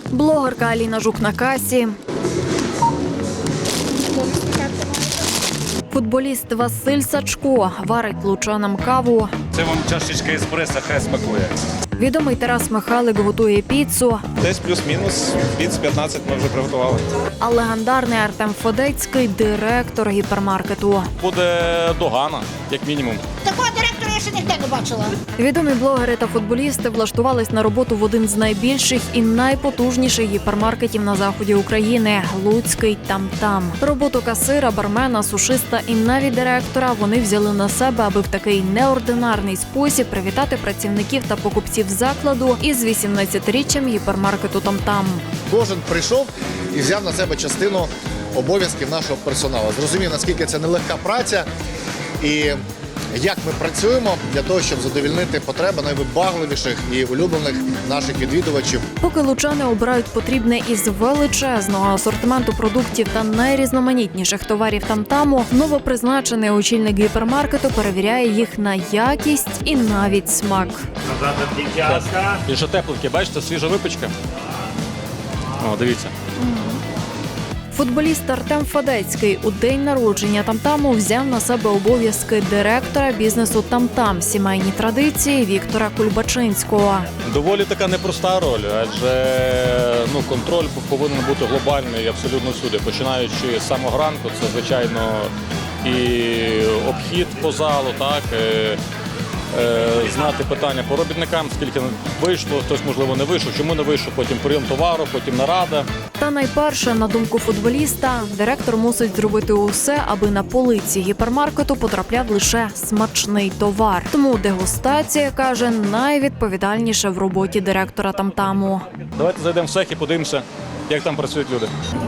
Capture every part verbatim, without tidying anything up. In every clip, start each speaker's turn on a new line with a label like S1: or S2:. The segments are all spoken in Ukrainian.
S1: Блогерка Аліна Жук на касі. Футболіст Василь Сачко варить лучанам каву.
S2: Це вам чашечка еспресо, хай смакує.
S1: Відомий Тарас Михайлик готує піцу.
S3: Десь плюс-мінус, піц п'ятнадцять ми вже приготували.
S1: А легендарний Артем Федецький – директор гіпермаркету.
S2: Буде догана, як мінімум.
S4: Такого директора я ще ніде не бачила.
S1: Відомі блогери та футболісти влаштувались на роботу в один з найбільших і найпотужніших гіпермаркетів на заході України – Луцький «Там-Там». Роботу касира, бармена, сушиста і навіть директора вони взяли на себе, аби в такий неординарний спосіб привітати працівників та покупців закладу із вісімнадцятиріччям гіпермаркету «Там-Там».
S5: Кожен прийшов і взяв на себе частину обов'язків нашого персоналу. Зрозумів, наскільки це нелегка праця і як ми працюємо для того, щоб задовольнити потреби найвибагливіших і улюблених наших відвідувачів.
S1: Поки лучани обирають потрібне із величезного асортименту продуктів та найрізноманітніших товарів «Там-Таму», новопризначений очільник гіпермаркету перевіряє їх на якість і навіть смак.
S2: І ще тепленьке, бачите, свіжа випічка. О, дивіться.
S1: Футболіст Артем Федецький у день народження «Там-Таму» взяв на себе обов'язки директора бізнесу «Там-Там» сімейні традиції Віктора Кульбачинського.
S2: Доволі така непроста роль, адже ну, контроль повинен бути глобальний абсолютно всюди. Починаючи з самого ранку, це, звичайно, і обхід по залу, так, е, е, знати питання по робітникам, скільки вийшло, хтось, можливо, не вийшов, чому не вийшов, потім прийом товару, потім нарада.
S1: Та найперше, на думку футболіста, директор мусить зробити усе, аби на полиці гіпермаркету потрапляв лише смачний товар. Тому дегустація, каже, найвідповідальніша в роботі директора «Там-Таму».
S2: Давайте зайдемо в цех і подивимося, як там працюють люди.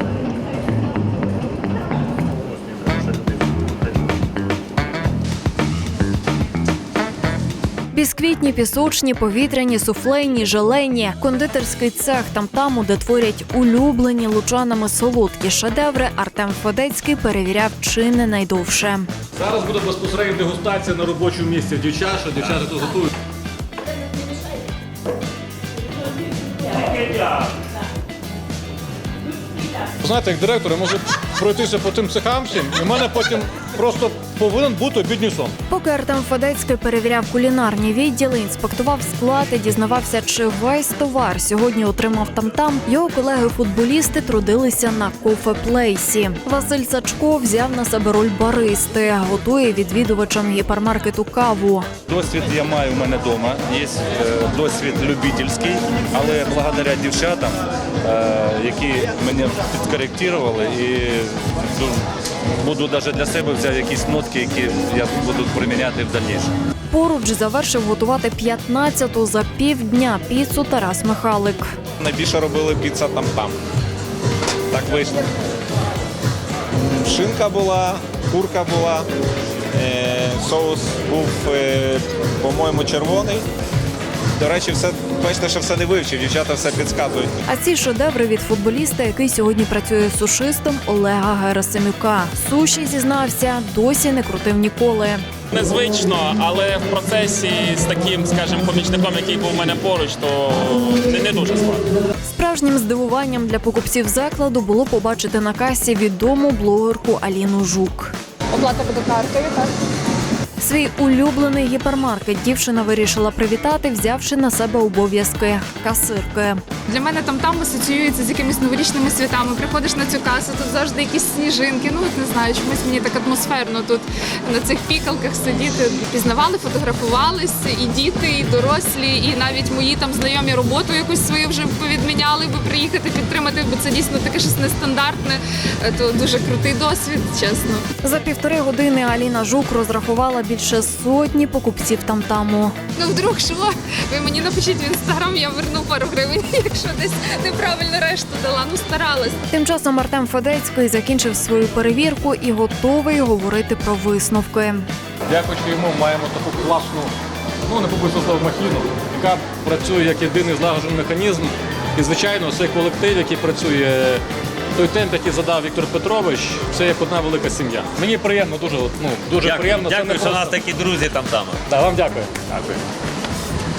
S1: Бісквітні, пісочні, повітряні, суфлейні, желейні. Кондитерський цех «Там-Таму», де творять улюблені лучанами солодкі шедеври, Артем Федецький перевіряв чи не найдовше.
S2: Зараз буде безпосередньо дегустація на робочому місці дівчат, що дівчата тут готують. Знаєте, як директор, я можу пройтися по тим цехам всім, і в мене потім просто повинен бути обідній сон.
S1: Поки Артем Федецький перевіряв кулінарні відділи, інспектував склад і дізнавався, чи весь товар сьогодні отримав «Там-Там», його колеги-футболісти трудилися на кофе-плейсі. Василь Сачко взяв на себе роль баристи, готує відвідувачам гіпермаркету каву.
S2: Досвід я маю в мене вдома, є досвід любительський, але благодаря дівчатам, які мене підкоректували, і буду навіть для себе взяти якісь нотки, які я буду приміняти в дальнішому.
S1: Поруч завершив готувати п'ятнадцяту за півдня піцу Тарас Михайлик.
S3: Найбільше робили піца «Там-Там». Так вийшло. Шинка була, курка була, е, соус був, е, по-моєму, червоний. До речі, все, бачите, що все не вивчив, дівчата все підказують.
S1: А ці шедеври від футболіста, який сьогодні працює сушистом Олега Герасимюка. Суші, зізнався, досі не крутив ніколи.
S6: Незвично, але в процесі з таким, скажімо, помічником, який був у мене поруч, то не, не дуже складно.
S1: Справжнім здивуванням для покупців закладу було побачити на касі відому блогерку Аліну Жук.
S7: Оплата буде карткою, так?
S1: Свій улюблений гіпермаркет дівчина вирішила привітати, взявши на себе обов'язки касирки.
S7: Для мене там-там асоціюється з якимись новорічними святами. Приходиш на цю касу, тут завжди якісь сніжинки. Ну, от не знаю, чомусь мені так атмосферно тут на цих пікалках сидіти. Пізнавали, фотографувались і діти, і дорослі, і навіть мої там знайомі роботу якусь свою вже повідміняли, би приїхати підтримати, бо це дійсно таке щось нестандартне. То дуже крутий досвід, чесно.
S1: За півтори години Аліна Жук розрахувала більше сотні покупців «Там-Таму».
S7: Ну, вдруг що? Ви мені напишіть в інстаграм, я верну пару гривень, якщо десь неправильно решту дала. Ну, старалась.
S1: Тим часом Артем Федецький закінчив свою перевірку і готовий говорити про висновки.
S2: Дякуючи йому, маємо таку класну, ну не побоюся слова, махіну, яка працює як єдиний злагоджений механізм. І, звичайно, цей колектив, який працює, той темп, який задав Віктор Петрович, це як одна велика сім'я. Мені приємно, дуже, ну, дуже
S8: Дякую,
S2: приємно.
S8: дякую,
S2: це не
S8: що у
S2: просто...
S8: нас такі друзі там-там.
S2: Да, вам дякую. Дякую.